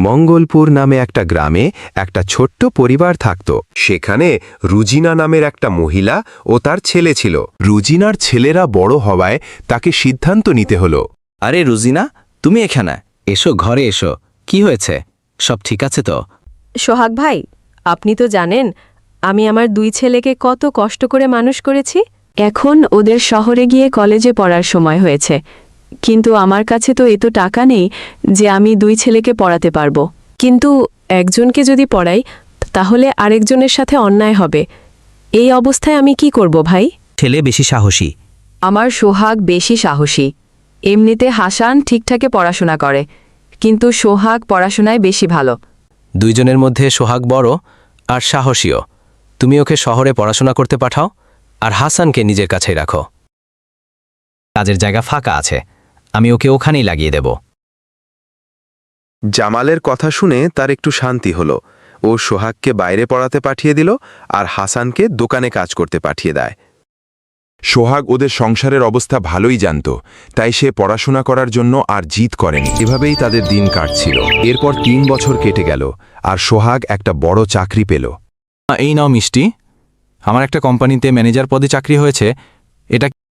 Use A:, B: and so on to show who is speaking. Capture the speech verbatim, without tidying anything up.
A: মঙ্গলপুর নামে একটা গ্রামে একটা ছোট্ট পরিবার থাকত।
B: সেখানে রুজিনা নামের একটা মহিলা ও তার ছেলে ছিল।
A: রুজিনার ছেলেরা বড় হওয়ায় তাকে সিদ্ধান্ত নিতে হলো।
C: আরে রুজিনা, তুমি এখানে এসো, ঘরে এসো। কি হয়েছে? সব ঠিক আছে তো?
D: সোহাগ ভাই, আপনি তো জানেন আমি আমার দুই ছেলেকে কত কষ্ট করে মানুষ করেছি। এখন ওদের শহরে গিয়ে কলেজে পড়ার সময় হয়েছে, কিন্তু আমার কাছে তো এত টাকা নেই যে আমি দুই ছেলেকে পড়াতে পারবো। কিন্তু একজনকে যদি পড়াই তাহলে আরেকজনের সাথে অন্যায় হবে। এই অবস্থায় আমি কি করব ভাই?
C: ছেলে বেশি সাহসী।
D: আমার সোহাগ বেশি সাহসী। এমনিতে হাসান ঠিকঠাকে পড়াশোনা করে, কিন্তু সোহাগ পড়াশোনায় বেশি ভালো।
C: দুইজনের মধ্যে সোহাগ বড় আর সাহসীও। তুমি ওকে শহরে পড়াশোনা করতে পাঠাও, আর হাসানকে নিজের কাছেই রাখো। কাজের জায়গা ফাঁকা আছে, আমি ওকে ওখানেই লাগিয়ে দেব।
B: জামালের কথা শুনে তার একটু শান্তি হলো। ও সোহাগকে বাইরে পড়াতে পাঠিয়ে দিল আর হাসানকে দোকানে কাজ করতে পাঠিয়ে দেয়।
E: সোহাগ ওদের সংসারের অবস্থা ভালোই জানত, তাই সে পড়াশোনা করার জন্য আর জিদ করেনি।
A: এভাবেই তাদের দিন কাটছিল। এরপর তিন বছর কেটে গেল আর সোহাগ একটা বড় চাকরি পেল।
F: এই নাও মিষ্টি, আমার একটা কোম্পানিতে ম্যানেজার পদে চাকরি হয়েছে। এটা